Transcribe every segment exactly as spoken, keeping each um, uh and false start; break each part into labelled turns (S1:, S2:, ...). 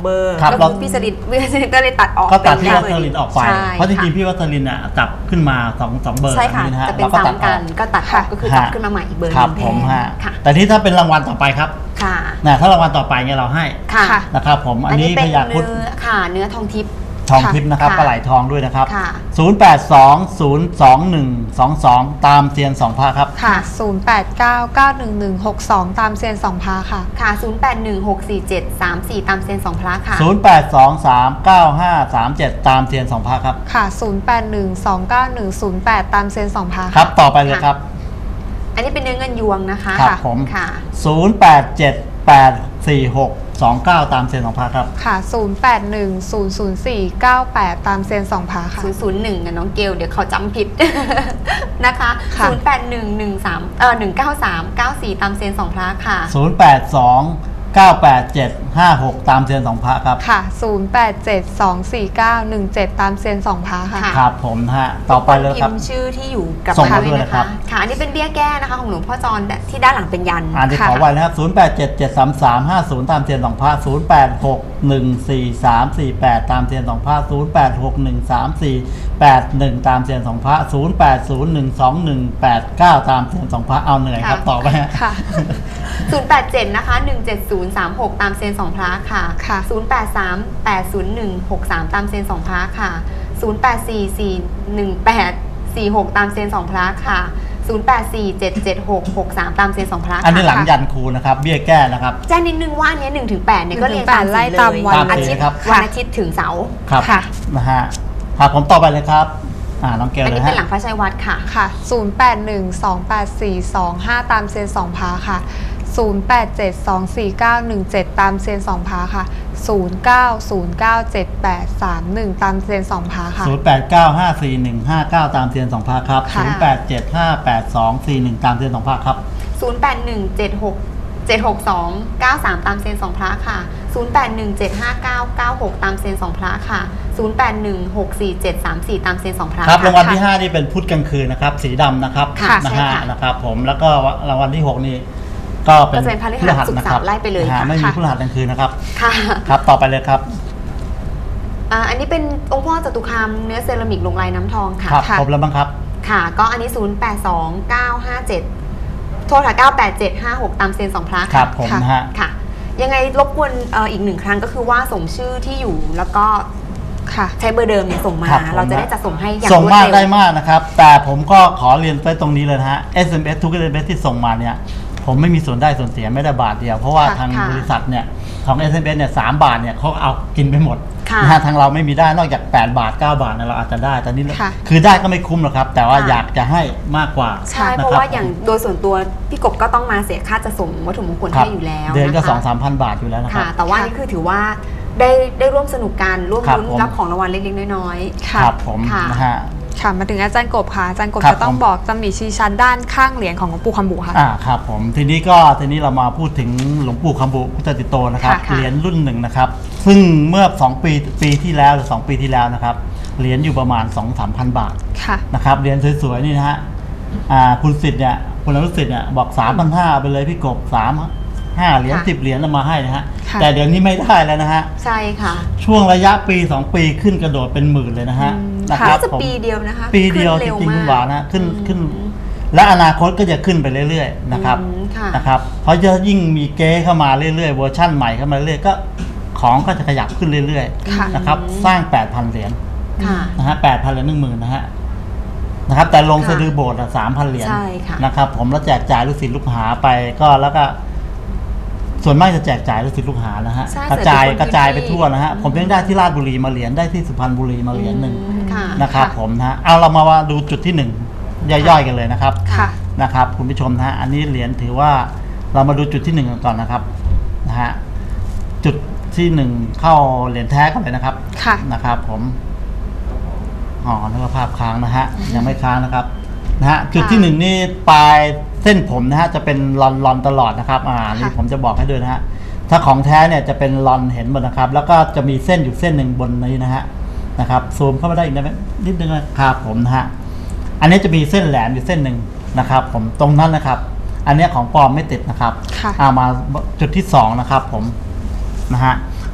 S1: เบอร์ก็คือพี่สลิดพี่สลิดก็เลยตัดออก
S2: ก็ตัดพี่วัสลินออกไปเพราะจริงๆพี่วัสลินอ่ะจับขึ้นมาสองสองเบอร์
S1: ใช่ค่ะจะเป็นซ้ำกันก็ตัดออกก็คือจับขึ้นมาใหม่อีกเบอร์นึง
S2: ผมฮะแต่ที่ถ้าเป็นรางวัลต่อไปครับ
S1: ค่ะ
S2: นะถ้ารางวัลต่อไปเนี่ยเราให้นะครับผมอันนี้พยาพุทธ
S1: ค่ะเนื้อทองทิพย์
S2: ทองทิพย์นะครับปลาไหลทองด้วยนะครับศูนย์ แปด สอง ศูนย์ สอง หนึ่ง สอง สองตามเซียนสองพระครับ
S3: ค่ะศูนย์ แปด เก้า เก้า หนึ่ง หนึ่ง หก สองตามเซียนสองพระค่ะ
S1: ค่ะศูนย์ แปด หนึ่ง หก สี่ เจ็ด สาม สี่ตามเซียนสองพระค่ะ
S2: ศูนย์ แปด สอง สาม เก้า ห้า สาม เจ็ดตามเซียนสองพระครับ
S3: ค่ะศูนย์ แปด หนึ่ง สอง เก้า หนึ่ง ศูนย์ แปดตามเซียนสองพระ
S2: ครับต่อไปเลยครับ
S1: อันนี้เป็นเนื้อเงินยวงนะคะ
S2: ครับผม
S1: ค่ะ
S2: ศูนย์ แปด เจ็ด แปด สี่ หก สอง เก้าตามเซียนสองพระครับ
S3: ค่ะศูนย์ แปด หนึ่ง ศูนย์ ศูนย์ สี่ เก้า แปดตามเซียนสองพระค่ะ
S1: ศูนย์ ศูนย์ หนึ่งนะน้องเกลเดี๋ยวเขาจำผิดนะคะศูนย์ แปด หนึ่ง หนึ่ง สามเอ่อหนึ่ง เก้า สาม เก้า สี่ตามเซียนสองพระค่ะ
S2: ศูนย์ แปด สอง เก้า แปด เจ็ด ห้า หกตามเซียนสองพระครับ
S3: ค่ะศูนย์ แปด เจ็ด สอง สี่ เก้า หนึ่ง เจ็ดตามเซียนสองพระค่ะ
S2: ครับผมฮะต่อไปเลยครับ
S1: พิมพ์ชื่อที่อยู่กับพระด้วยนะคะค่ะอันนี้เป็นเบี้ยแก้นะคะของหลวงพ่อจรที่ด้านหลังเป็นยัน
S2: อ่านที่ขอไว้นะครับศูนย์ แปด เจ็ด เจ็ด สาม สาม ห้า ศูนย์ตามเซียนสองพระศูนย์ แปด หก หนึ่ง สี่ สาม สี่ แปดตามเซียนสองพระศูนย์ แปด หก หนึ่ง สาม สี่ แปด หนึ่งตามเซียนสองพระศูนย์ แปด ศูนย์ หนึ่ง สอง หนึ่ง แปด เก้าตามเซียนสองพระเอาเหนื่อยครับต่อไป
S3: ค่ะ
S1: ศูนย์ แปด เจ็ดนะคะหนึ่ง เจ็ด ศูนย์ สาม หกตามเซียนสองพระค่ะ
S3: ค่ะ
S1: ศูนย์ แปด สาม แปด ศูนย์ หนึ่ง หก สามตามเซียนสองพระค่ะศูนย์ แปด สี่ สี่ หนึ่ง แปด สี่ หกตามเซียนสองพระค่ะศูนย์ แปด สี่ เจ็ด เจ็ด หก หก สามตามเซียนสองพระ
S2: อันนี้หลังยันครูนะครับเบี้ยแก้นะครับ
S1: แจ้งนิดนึงว่าอันนี้หนึ่งถึงแปดเนี่ยก็เรียงตาม
S3: ไล่ตามวัน
S1: อาทิตย์วันอาทิตย์ถึงเสาร์
S2: ค่ะนะฮะครับผมต่อไปเลยครับอ่าน้องเกลเลยฮะอัน
S1: นี้เป็นหลังพระชัยวัดค่ะ
S3: ค่ะศูนย์ แปด หนึ่ง สอง แปด สี่ สอง ห้าตามเซียนสองพระค่ะศูนย์ แปด เจ็ด สอง สี่ เก้า หนึ่ง เจ็ดตามเซียนสองพระค่ะศูนย์ เก้า ศูนย์ เก้า เจ็ด แปด สาม หนึ่งตามเซียนสองพระค่ะ
S2: ศูนย์ แปด เก้า ห้า สี่ หนึ่ง ห้า เก้าตามเซียนสองพระครับศูนย์ แปด เจ็ด ห้า แปด สอง สี่ หนึ่งตามเซียนสองพระครับ
S1: ศูนย์ แปด หนึ่ง เจ็ด หก เจ็ด หก สอง เก้า สามตามเซียนสองพระค่ะศูนย์ แปด หนึ่ง เจ็ด ห้า เก้า เก้า หกตามเซียนสองพระค่ะศูนย์ แปด หนึ่ง หก สี่ เจ็ด สาม สี่ตามเซียนสองพระ
S2: ครับรางวัลที่ห้านี่เป็นพุธกลางคืนนะครับสีดำนะครับนะฮะนะครับผมแล้วก็รางวัลที่หกนี่ก็เป็น
S1: พฤหัสนะครับไล่ไปเลย
S2: ไม่มีพฤหัสกลางคืนนะครับ
S1: ค่ะ
S2: ครับต่อไปเลยครับ
S1: อันนี้เป็นองค์พ่อจตุคามเนื้อเซรามิกลงลายน้ำทองค่ะ
S2: ครับครบแล้วบ้างครับ
S1: ค่ะก็อันนี้ศูนย์ แปด สอง เก้า ห้า เจ็ดโทษค่ะเก้า แปด เจ็ด ห้า หกตามเซียนสองพระ
S2: ครับผมฮะ
S1: ค่ะยังไงรบกวนอีกหนึ่งครั้งก็คือว่าส่งชื่อที่อยู่แล้วก็
S3: ค่ะ
S1: ใช้เบอร์เดิมเนี่ยส่งมาเราจะได้จัดส่งให้อย่าง
S2: ส่งมากได้มากนะครับแต่ผมก็ขอเรียนไปตรงนี้เลยนะฮะ เอส เอ็ม เอส ทุก เอส เอ็ม เอส ที่ส่งมาเนี่ยผมไม่มีส่วนได้ส่วนเสียไม่ได้บาทเดียวเพราะว่าทางบริษัทเนี่ยของ เอส เอ็ม เอส เนี่ยสามบาทเนี่ยเขาเอากินไปหมดนะฮะทางเราไม่มีได้นอกจากแปดบาทเก้าบาทเนี่ยเราอาจจะได้แต่นี่คือได้ก็ไม่คุ้มหรอกครับแต่ว่าอยากจะให้มากกว่า
S1: ใช่เพราะว่าอย่างโดยส่วนตัวพี่กบก็ต้องมาเสียค่าจะส่งวัตถุมงคลให้อยู่แล้ว
S2: เดือนก็ สองถึงสามพัน บาทอยู่แล้วนะครับ
S1: แต่ว่านี่คือถือว่าได้ได้ร่วมสนุกกันร่วมลุ้นรับของรางวัลเล็กๆน้อย
S2: ๆครับผมนะฮะ
S3: ค่ะมาถึงอาจารย์กบค่ะอาจารย์กบจะต้องบอกจะมีชี้ชั้นด้านข้างเหรียญของหลวงปู่คำบุค่ะ
S2: อ่าครับผมทีนี้ก็ทีนี้เรามาพูดถึงหลวงปู่คำบุพุทธติโตนะครับเหรียญรุ่นหนึ่งนะครับซึ่งเมื่อสองปีปีที่แล้วหรือสองปีที่แล้วนะครับเหรียญอยู่ประมาณ สองถึงสามพัน บาทนะครับเหรียญสวยๆนี่นะฮะอ่าคุณสิทธิ์เนี่ยคุณอนุสิทธิ์เนี่ยบอก สามพันห้าร้อย ไปเลยพี่กบสามห้าเหรียญสิบเหรียญมาให้นะฮะแต่เดี๋ยวนี้ไม่ได้แล้วนะฮะ
S1: ใช่ค่ะ
S2: ช่วงระยะปีสองปีขึ้นกระโดดเป็นหมื่นเลยนะฮะ
S1: นะครับจะปีเดียวนะคะ
S2: ปีเดียวจริงๆคุณหวานนะขึ้นขึ้นและอนาคตก็จะขึ้นไปเรื่อยๆนะครับนะครับเพราะจะยิ่งมีเก๊เข้ามาเรื่อยๆเวอร์ชั่นใหม่เข้ามาเรื่อยๆก็ของก็จะขยับขึ้นเรื่อยๆนะครับสร้าง แปดพัน เหรียญนะฮะแปดพันเหรียญหนึ่งหมื่นนะฮะนะครับแต่ลงสะดือโบสถ์สามพันเหรียญนะครับผมแล้วแจกจ่ายลูกศิษย์ลูกหาไปก็แล้วก็ส่วนมากจะแจกจ่ายลูกศิษย์ลูกหานะฮะกระจายกระจายไปทั่วนะฮะผมยังได้ที่ราชบุรีมาเหรียญได้ที่สุพรรณบุรีมาเหรียญหนึ่งนะครับผมนะฮะเอาเรามาดูจุดที่หนึ่งย่อยๆกันเลยนะครับนะครับคุณผู้ชมนะฮะอันนี้เหรียญถือว่าเรามาดูจุดที่หนึ่งกันก่อนนะครับนะฮะจุดที่หนึ่งเข้าเหรียญแท้กันเลยนะครับนะครับผมอ๋อนึกว่าภาพค้างนะฮะยังไม่ค้างนะครับนะฮะจุดที่หนึ่งนี่ปลายเส้นผมนะฮะจะเป็นลอนลอนตลอดนะครับอ่านี่ผมจะบอกให้ด้วยนะฮะถ้าของแท้เนี่ยจะเป็นลอนเห็นหมดนะครับแล้วก็จะมีเส้นอยู่เส้นหนึ่งบนนี้นะฮะนะครับซูมเข้ามาได้อีกนะนิดนึงนะครับผมนะฮะอันนี้จะมีเส้นแหลมอยู่เส้นหนึ่งนะครับผมตรงนั้นนะครับอันนี้ของปลอมไม่ติดนะครับเอามาจุดที่สองนะครับผมนะฮะ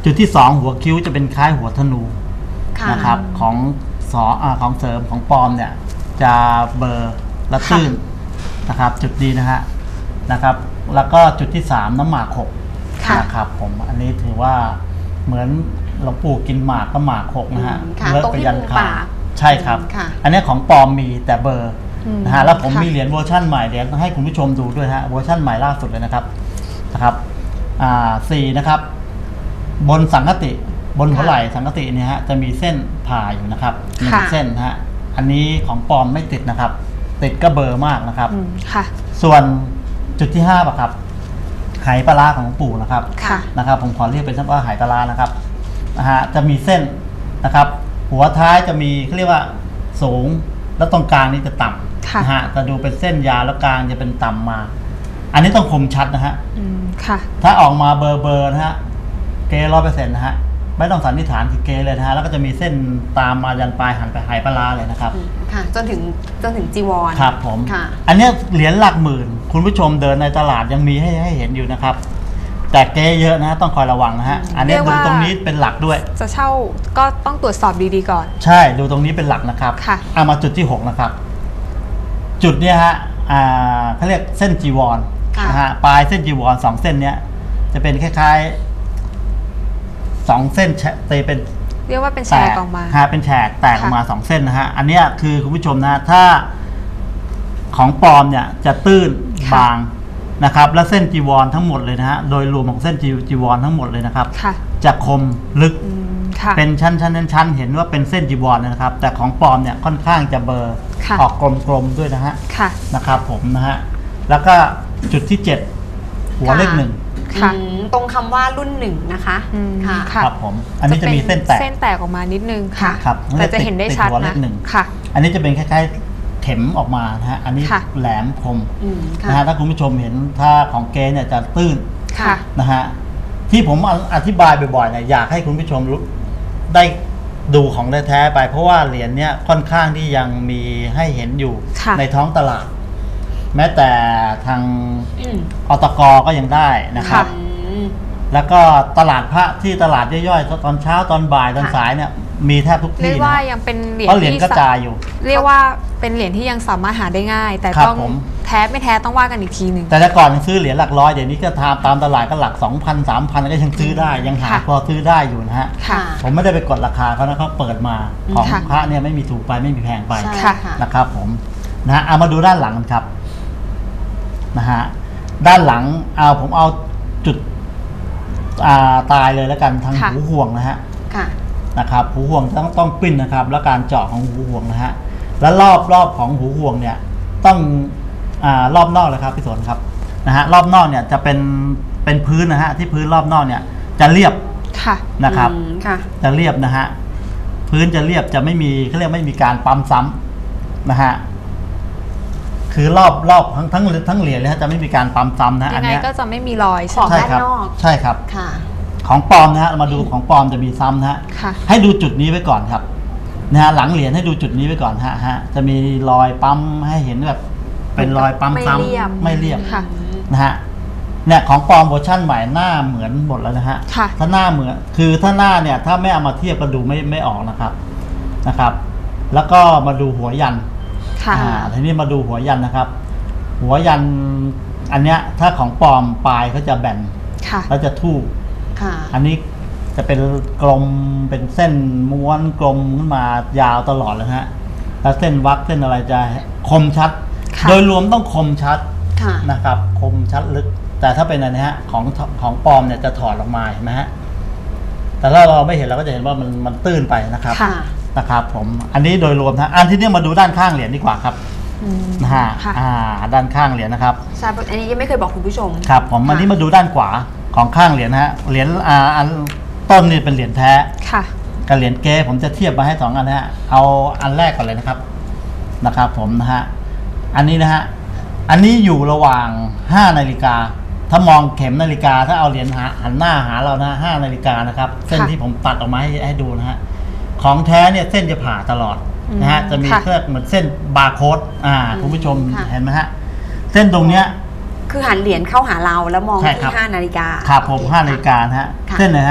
S2: จุดที่สองหัวคิ้วจะเป็นคล้ายหัวธนู
S1: ค่ะ
S2: นะครับของสออาของเสริมของปลอมเนี่ยจะเบลอร์และตื้นนะครับ จุดดีนะฮะนะครับ แล้วก็จุดที่สามน้ำหมากหก
S1: ค่ะ
S2: นะครับผมอันนี้ถือว่าเหมือนหลวงปู่กินหมากก็หมากหกนะฮะ
S1: อืมค่ะ
S2: เลิก
S1: ตรง
S2: ไป
S1: ที่
S2: ยัน
S1: มุม
S2: ขา
S1: ปาก
S2: ใช่ครับ
S1: ค่ะ
S2: อันนี้ของปลอมมีแต่เบอร์
S3: อืม
S2: นะฮะแล้วผม
S3: ค่ะ
S2: มีเหรียญเวอร์ชั่นใหม่เดี๋ยวให้คุณผู้ชมดูด้วยฮะเวอร์ชั่นใหม่ล่าสุดเลยนะครับนะครับอ่าสี่นะครับ บนสังกติบนหัวไหล่สังกติเนี่ยฮะจะมีเส้นผ่าอยู่นะครับหนึ่ง
S3: ค่ะ
S2: เส้นนะฮะอันนี้ของปลอมไม่ติดนะครับ ติดก็เบอร์มากนะครับ
S3: อืมค่ะ
S2: ส่วนจุดที่ห้าป่ะครับไหปลาร้าของหลวงปู่นะครับ
S3: ค่ะ
S2: นะครับผมขอเรียกเป็นว่าไหปลาร้านะครับนะฮะจะมีเส้นนะครับ หัวท้ายจะมีเขาเรียกว่าสูงแล้วตรงกลางนี่จะต่
S3: ค่ะ
S2: ำนะฮะจะดูเป็นเส้นยาวแล้วกลางจะเป็นต่ำมา อันนี้ต้องคมชัดนะฮะ
S3: อืมค่ะ
S2: ถ้าออกมาเบอร์เบอร์นะฮะเกร้อยเปอร์เซ็นต์นะฮะไม่ต้องสันนิษฐานคือเกเลยนะฮะแล้วก็จะมีเส้นตามมายันปลายหันไปไหปลาร้าเลยนะครับ
S1: อืมค่ะ จนถึงจนถึงจีวร
S2: ครับผม
S1: ค่ะ
S2: อันเนี้ยเหรียญหลักหมื่น คุณผู้ชมเดินในตลาดยังมีให้ให้เห็นอยู่นะครับ แต่เก๊เยอะนะต้องคอยระวังนะฮะ อันเนี้ย
S3: เรียก
S2: ดู
S3: ว่า
S2: ตรงนี้เป็นหลักด้วย
S3: จะเช่าก็ต้องตรวจสอบดีๆก่อน
S2: ใช่ดูตรงนี้เป็นหลักนะครับ
S3: ค่ะ
S2: เอามาจุดที่หกนะครับ จุดเนี้ยฮะอ่าเขาเรียกเส้นจีวร
S1: ค่ะ
S2: นะฮะปลายเส้นจีวรสองเส้นเนี้ยจะเป็นคล้ายๆสองเส้นแฉะเตเป็น
S3: เรียกว่าเป็นแช
S2: แต
S3: ร์
S2: ก
S3: ออกมา
S2: ฮะเป็นแฉกแตกออกมา
S3: ค่ะ
S2: สองเส้นนะฮะอันเนี้ยคือคุณผู้ชมนะถ้าของปลอมเนี่ยจะตื้นบางนะครับ และเส้นจีวรทั้งหมดเลยนะฮะโดยรวมของเส้นจีจีวรทั้งหมดเลยนะครับ
S3: ค่ะ
S2: จะคมลึก
S3: อืมค่ะ
S2: เป็นชั้นชั้นชั้นชั้นเห็นว่าเป็นเส้นจีวรนะครับ แต่ของปลอมเนี่ยค่อนข้างจะเบลอร์
S3: ค่ะ
S2: ออกกลมๆด้วยนะฮะ
S3: ค่ะ
S2: นะครับ ผมนะฮะแล้วก็จุดที่เจ็ดหัวเลขหนึ่ง
S3: ค่ะ
S1: อืมตรงคำว่ารุ่นหนึ่งนะคะ
S3: อืม
S1: ค่ะ
S3: ค่ะ
S2: ครับผมอันนี้จะมีเส้นแตก
S3: เส้นแตกออกมานิดนึงค่ะ
S2: ครับ
S3: แต่จะเห็นได้ชัด
S2: ติหัวเล
S3: นะ
S2: ขหนึ่ง
S3: ค่ะ
S2: อันนี้จะเป็นคล้ายๆเข็มออกมานะฮะอันนี้
S3: ค่ะ
S2: แหลมคม
S1: อืมค่ะ
S2: นะฮะถ้าคุณผู้ชมเห็นถ้าของเกเนี่ยจะตื้น
S3: ค่ะ
S2: นะฮะที่ผมอธิบายบ่อยๆเนี่ยอยากให้คุณผู้ชมรู้ได้ดูของแท้ๆไป เพราะว่าเหรียญเนี้ยค่อนข้างที่ยังมีให้เห็นอยู่
S3: ค่ะ
S2: ในท้องตลาด แม้แต่ทาง
S1: อืม
S2: อตกก็ยังได้นะครับ
S1: อืม
S2: แล้วก็ตลาดพระที่ตลาดย่อยๆตอนเช้าตอนบ่ายตอน
S1: ค่ะ
S2: สายเนี่ยมีแทบทุก
S3: เรีย
S2: ที่
S3: กว่า
S2: นะ
S3: ยังเป็นเหรียญ
S2: เพราะเหรียญ
S3: ที่
S2: กระจายอยู่
S3: เรียกว่าเป็นเหรียญที่ยังสามารถหาได้ง่าย แต่
S2: ครับ
S3: ต้อง
S2: ผม
S3: แท้ไม่แท้ต้องว่ากันอีกทีหนึ่ง
S2: แต่แต่ก่อนซื้อเหรียญหลักร้อยเดี๋ยวนี้ก็ทามตามตลาดก็หลัก สองพัน สามพัน ก็ยังซื้อได้ยังหา
S3: ค่ะ
S2: พอซื้อได้อยู่นะฮะ
S3: ค่ะ
S2: ผมไม่ได้ไปกดราคาเขานะเขาเปิดมาของ
S3: ค่ะ
S2: พระเนี่ยไม่มีถูกไปไม่มีแพงไป
S1: ใช่
S3: ค่ะ
S1: ค่ะ
S2: นะครับผมนะฮะเอามาดูด้านหลังกันครับนะฮะด้านหลังเอาผมเอาจุดอ่าตายเลยแล้วกันทาง
S3: ค่ะ
S2: หูห่วงนะฮะ
S1: ค่ะ
S2: นะครับหูห่วงต้องต้องปิ้นนะครับ แล้วการเจาะของหูห่วงนะฮะแล้วรอบรอบของหูห่วงเนี่ยต้องอ่ารอบนอกเลยครับพี่สนครับนะฮะรอบนอกเนี่ยจะเป็นเป็นพื้นนะฮะที่พื้นรอบนอกเนี่ยจะเรียบ
S3: ค่ะ
S2: นะครับ
S1: อืมค่ะ
S2: จะเรียบนะฮะพื้นจะเรียบจะไม่มีเขาเรียกไม่มีการปั๊มซ้ำนะฮะคือรอบรอบทั้งทั้งทั้งเหรียญเลยฮะจะไม่มีการปั๊มซ้ำนะ
S3: ยั
S2: อัน
S3: งไง
S2: เนี้ย
S3: ก็จะไม่มีรอย
S1: ข
S3: ใช่
S1: อง
S3: ไหม
S2: ใช่ครับ
S1: ด้านนอก
S2: ใช่ครับ
S1: ค่ะ
S2: ของปลอมนะฮะมาดูของปลอมจะมีซ้ำนะฮะ
S3: ค่ะ
S2: ให้ดูจุดนี้ไว้ก่อนครับนะฮะหลังเหรียญให้ดูจุดนี้ไว้ก่อนฮะฮะจะมีรอยปั๊มให้เห็นแบบเป็นรอยปั๊ม
S1: ไม่
S2: ซ้
S1: เรียบ
S2: ำไม่เรียบ
S3: ค่ะ
S2: นะฮะเนี่ยของปลอมเวอร์ชั่นใหม่หน้าเหมือนหมดแล้วนะฮะ
S3: ค่ะ
S2: ถ้าหน้าเหมือนคือถ้าหน้าเนี่ยถ้าไม่เอามาเทียบก็ดูไม่ไม่ออกนะครับนะครับ แล้วก็มาดูหัวยัน
S3: ค่ะ
S2: อ่าทีนี้มาดูหัวยันนะครับ หัวยันอันเนี้ยถ้าของปลอมปลายเขาจะแบน
S3: ค่ะ
S2: แล้วจะทู่
S1: ค่ะ
S2: อันนี้จะเป็นกลมเป็นเส้นม้วนกลมขึ้นมายาวตลอดเลยฮะแล้วเส้นวักเส้นอะไรจะคมชัด
S3: ค่ะ
S2: โดยรวมต้องคมชัด
S1: ค่ะ
S2: นะครับ คมชัดลึก แต่ถ้าเป็นอันนี้ฮะของของปลอมเนี่ยจะถอดออกมาเห็นไหมฮะแต่ถ้าเราไม่เห็นเราก็จะเห็นว่ามันมันตื้นไปนะครับ
S1: ค่ะ
S2: นะครับ ผมอันนี้โดยรวมนะอันที่นี้มาดูด้านข้างเหรียญดีกว่าครับ
S3: อืม
S2: นะฮะ
S3: ค่ะ
S2: อ่าด้านข้างเหรียญนะครับ
S1: ใช่อันนี้ยังไม่เคยบอกคุณผู้ชม
S2: ครับผมอันนี้มาดูด้านขวาของข้างเหรียญนะฮะเหรียญอ่าอันต้นนี่เป็นเหรียญแท้
S3: ค่ะ
S2: กับเหรียญเก๊ผมจะเทียบมาให้สองอันนะฮะเอาอันแรกก่อนเลยนะครับนะครับ ผมนะฮะอันนี้นะฮะอันนี้อยู่ระหว่างห้านาฬิกาถ้ามองเข็มนาฬิกาถ้าเอาเหรียญหาหันหน้าหาเรานะห้านาฬิกานะครับเส้น
S3: ค่ะ
S2: ที่ผมตัดออกมาให้ให้ดูนะฮะของแท้เนี่ยเส้นจะผ่าตลอดนะฮะ
S3: อืม
S2: จะมี
S3: ค่ะ
S2: เครื่องเหมือนเส้นบาร์โค้ดอ่า
S1: อืม
S2: คุณผู้ชม
S1: ค่ะ
S2: เห็นไหมฮะเส้นตรงเนี้ย
S1: คือหันเหรียญเข้าหาเราแล้วมอง
S2: ใช่
S1: ที่
S2: ครับ
S1: ห้านาฬิกา
S2: ครับผม
S1: โอเค
S2: ห้านาฬิกานะฮะ
S1: ค่ะ
S2: เส้นนะฮะ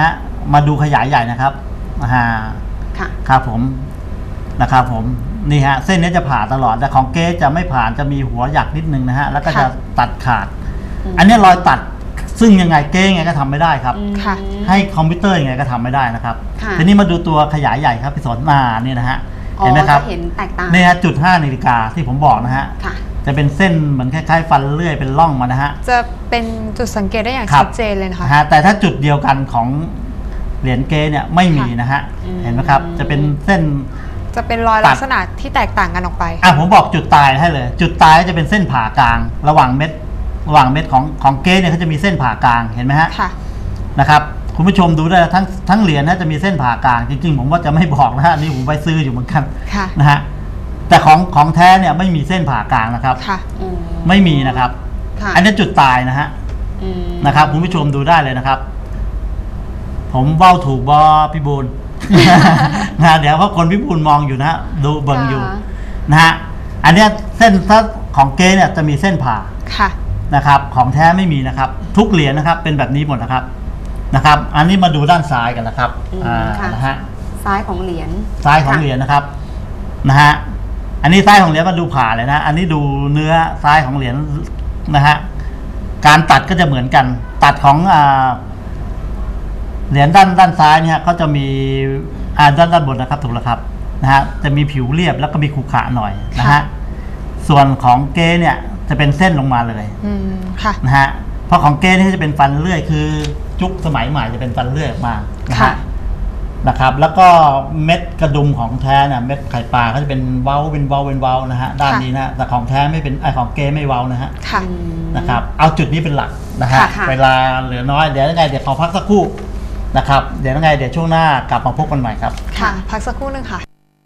S2: มาดูขยายใหญ่นะครับอ่า
S1: ค่ะ
S2: ครับผมนะครับผมนี่ฮะเส้นนี้จะผ่าตลอดแต่ของเก๊จะไม่ผ่านจะมีหัวหยักนิดนึงนะฮะแล้วก็จะตัดขาด
S1: อืม
S2: อันนี้รอยตัดซึ่งยังไงเก๊ยังไงก็ทำไม่ได้ครับ
S1: อืม
S3: ค่ะ
S2: ให้คอมพิวเตอร์ยังไงก็ทำไม่ได้นะครับ
S1: ค่ะ
S2: ทีนี้มาดูตัวขยายใหญ่ครับพี่สนมาเนี่ยนะฮะ
S1: อ๋อ
S2: เห็นไหมครับ
S1: จะเห็นแตกต่าง
S2: นี่ฮะจุดห้านาฬิกาที่ผมบอกนะฮะ
S1: ค่ะ
S2: จะเป็นเส้นเหมือนคล้ายๆฟันเลื่อยเป็นร่องมานะฮะ
S3: จะเป็นจุดสังเกตได้อย่าง
S2: ครับ
S3: ชัดเจนเลยนะคะ
S2: นะฮะแต่ถ้าจุดเดียวกันของเหรียญเก๊เนี่ยไม่มีนะฮะ
S1: อืม
S2: เห็นไหมครับจะเป็นเส้น
S3: จะเป็นรอย
S2: ตัด
S3: ลักษณะที่แตกต่างกันออกไป
S2: อ่ะผมบอกจุดตายให้เลย จุดตายจะเป็นเส้นผ่ากลาง ระหว่างเม็ดระหว่างเม็ดของของเก๊เนี่ยเขาจะมีเส้นผ่ากลางเห็นไหมฮะ
S3: ค่ะ
S2: นะครับคุณผู้ชมดูได้ทั้งทั้งเหรียญนะจะมีเส้นผ่ากลางจริงๆผมว่าจะไม่บอกนะฮะอันนี่ผมไปซื้ออยู่เหมือนกัน
S3: ค่ะ
S2: นะฮะแต่ของของแท้เนี่ยไม่มีเส้นผ่ากลางนะครับ
S3: ค่ะ
S1: อืม
S2: ไม่มีนะครับ
S1: ค่ะ
S2: อันนี้จุดตายนะฮะ
S1: อืม
S2: นะครับคุณผู้ชมดูได้เลยนะครับ ผมเว้าถูกบอพี่บูล นะเดี๋ยวเขาคนพี่บูลมองอยู่นะฮะดูเบิ่งอยู่
S1: ค่ะ
S2: นะฮะอันเนี้ยเส้นถ้าของเก๊เนี่ยจะมีเส้นผ่า
S3: ค่ะ
S2: นะครับ ของแท้ไม่มีนะครับ ทุกเหรียญนะครับ เป็นแบบนี้หมดนะครับนะครับ อันนี้มาดูด้านซ้ายกันนะครับ
S1: อืม
S2: อ่า
S1: ค่ะ
S2: นะฮะ
S1: ซ้ายของเหรียญ
S2: ซ้ายของเหรียญนะครับนะฮะอันนี้ซ้ายของเหรียญมาดูผ่าเลยนะอันนี้ดูเนื้อซ้ายของเหรียญนะฮะการตัดก็จะเหมือนกัน ตัดของอ่าเหรียญด้านด้านซ้ายเนี่ยเขาจะมีอ่าด้านด้านบนนะครับถูกแล้วครับนะฮะจะมีผิวเรียบแล้วก็มีขรุขระหน่อยนะฮะส่วนของเก๊เนี่ยจะเป็นเส้นลงมาเลย
S3: อืม ค่ะ
S2: นะฮะเพราะของเก๊นี่จะเป็นฟันเลื่อยคือจุกสมัยใหม่จะเป็นฟันเลื่อยออกมานะ
S3: ค่ะ
S2: ฮะนะครับ แล้วก็เม็ดกระดุมของแท้เนี่ยเม็ดไข่ปลาก็จะเป็นเว้าเป็นเว้าเป็นเว้านะฮะด้านนี้นะแต่ของแท้ไม่เป็นไอของเก๊ไม่เว้านะฮะ
S3: ค่ะ
S1: อืม
S2: นะครับเอาจุดนี้เป็นหลักนะฮะ
S1: ค่ะค่ะ
S2: เวลาเหลือน้อยเดี๋ยวยังไงเดี๋ยวขอพักสักครู่นะครับเดี๋ยวยังไงเดี๋ยวช่วงหน้ากลับมาพบกันใหม่ครับ
S3: ค่ะ พักสักครู่หนึงค่ะ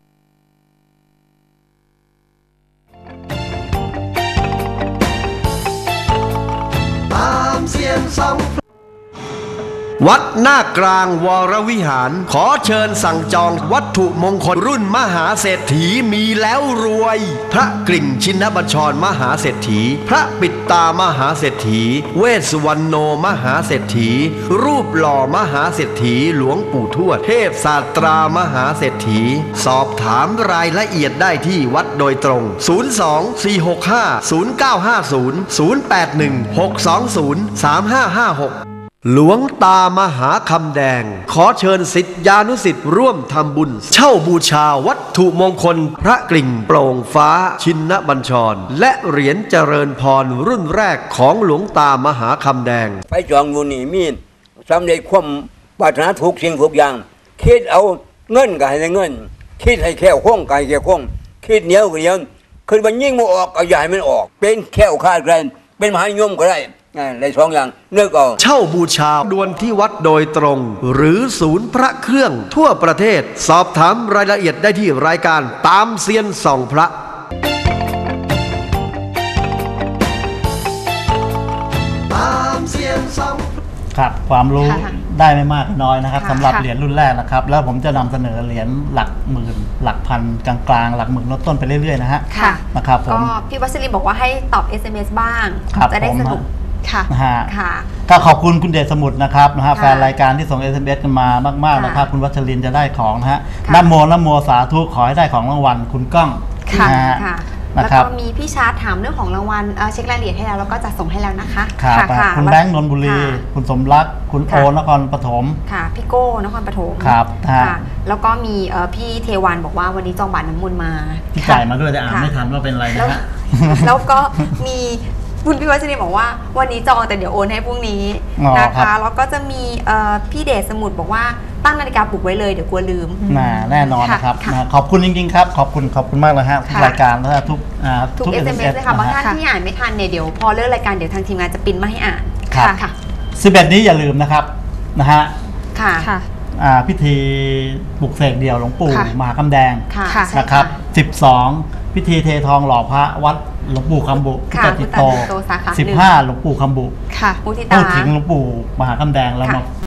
S4: ตามเสียนสองวัดหน้ากลางวรวิหาร ขอเชิญสั่งจองวัตถุมงคลรุ่นมหาเศรษฐีมีแล้วรวย พระกริ่งชินบัญชรมหาเศรษฐี พระปิดตามหาเศรษฐี เวสสุวรรณโนมหาเศรษฐี รูปหล่อมหาเศรษฐีหลวงปู่ทวดเทพศาสตรามหาเศรษฐี สอบถามรายละเอียดได้ที่วัดโดยตรง ศูนย์ สอง สี่ หก ห้า ศูนย์ เก้า ห้า ศูนย์ ศูนย์ แปด หนึ่ง หก สอง ศูนย์ สาม ห้า ห้า หกหลวงตามหาคำแดง ขอเชิญศิษยานุศิษย์ร่วมทำบุญ เช่าบูชาวัตถุมงคล พระกริ่งโปร่งฟ้าชินบัญชร และเหรียญเจริญพรรุ่นแรกของหลวงตามหาคำแดง
S5: ไปจองอยู่นี่มีสำเร็จความปรารถนาทุกสิ่งทุกอย่าง คิดเอาเงินก็ให้ได้เงิน คิดให้แค่วคล่องก็ให้แค่วคล่องคิดเหนียวก็เหนียวคือมันยิ่งมันออกเอาใหญ่มันออก เป็นแค่วคลาดแคลนเป็นมหานิยมก็ได้ในสองอย่างเลือกเอา
S4: เช่าบูชาดวนที่วัดโดยตรง หรือศูนย์พระเครื่องทั่วประเทศ สอบถามรายละเอียดได้ที่รายการตามเซียนส่องพระตามเซียนส่อง
S2: ครับความรู้
S1: ค่ะ
S2: ได้ไม่มากก็น้อยนะครับ
S1: ค่ะ
S2: สำหรับ
S3: ค่ะ
S2: เหรียญรุ่นแรกนะครับ แล้วผมจะนำเสนอเหรียญหลักหมื่น หลักพันกลางๆ หลักหมื่นลดต้นไปเรื่อยๆนะฮะ
S1: ค่ะ
S2: นะครับผ
S1: ก็
S2: ม
S1: พี่วัชรินบอกว่าให้ตอบ เอส เอ็ม เอส บ้าง
S2: ครับ
S1: จะได้
S2: ผม
S1: สนุก
S3: ค่ะ
S2: นะฮะ
S1: ค่ะ
S2: ก็ขอบคุณคุณเดชสมุทรนะครับนะฮะ
S1: ค่ะ
S2: แฟนรายการที่ส่ง เอส เอ็ม เอส กันมามากๆนะครับ
S1: ค่ะ
S2: คุณวัชรินทร์จะได้ของนะฮะ
S1: ค่ะ
S2: นะโมนะโมสาธุขอให้ได้ของรางวัลคุณก้อง
S3: ค่ะ
S2: นะฮะ
S1: ค่ะ
S2: นะ
S1: แล้ว
S2: ครับ
S1: ก็มีพี่ชาร์ตถามเรื่องของรางวัลเอ่อเช็ครายละเอียดให้แล้วแล้วก็จะส่งให้แล้วนะคะ
S2: ครับ
S1: ค่ะ
S2: คุณแบงค์นนทบุรี
S1: ค่ะ
S2: คุณสมรักคุณโอ
S1: ค่ะ
S2: นครปฐม
S1: ค่ะพี่โก้นครปฐม
S2: ครับฮะ
S1: ค่ะ แล้วก็มีเอ่อพี่เทวันบอกว่าวันนี้จองบัตรน้ำมนต์มา
S2: ที่จ่ายมาด้วยแต่อ่าน
S1: ค่ะ
S2: ไม่ทันว่าเป็นอะไร
S1: แล้
S2: นะ
S1: ว
S2: ฮะ
S1: แล้วก็มีคุณพี่วัชรินบอกว่าวันนี้จองแต่เดี๋ยวโอนให้พรุ่งนี้
S2: อ๋อ
S1: นะ
S2: ครั
S1: คะ
S2: บ
S1: แล้วก็จะมีเอ่อพี่เดชสมุทรบอกว่าตั้งนาฬิกาปลุกไว้เลยเดี๋ยวกลัวลืม
S2: น่าแน่นอนนะครับ
S1: ค่ะ
S2: นะขอบคุณจริงๆครับ ขอบคุณขอบคุณมากเลยฮะทุก
S1: ค่ะ
S2: รายการและทุกอ่า
S1: ทุก เอส เอ็ม เอส เลยค่ะบางท่าน
S2: ฮ
S1: ที่อ่านไม่ทันเนี่ยเดี๋ยวพอเลิกรายการเดี๋ยวทางทีมงานจะปริ้นมาให้อ่าน
S2: ครับ
S1: ค่ะ
S2: สิบเอ็ดนี้อย่าลืมนะครับนะฮะ
S1: ค่ะ
S3: ค่ะ
S2: อ่าพิธีปลุกเสกเดี่ยวหลวงปู่
S3: ค่ะ
S2: มหาคำแดง
S1: ค่ะ
S3: ค่ะ
S1: ใช่
S2: นะครับสิบสองพิธีเททองหล่อพระวัดหลวงปู่คำบุ
S1: ค่ะ
S2: พุทธติโต
S1: พุทธติโตสาขาหนึ่ง
S2: สิบห้าหลวงปู่คำบุ
S3: ค่ะ
S1: มุทิ
S2: พู
S1: ตา
S2: ดถึงหลวงปู่มหาคำแดงแล้ว
S1: ค่ะ
S2: มา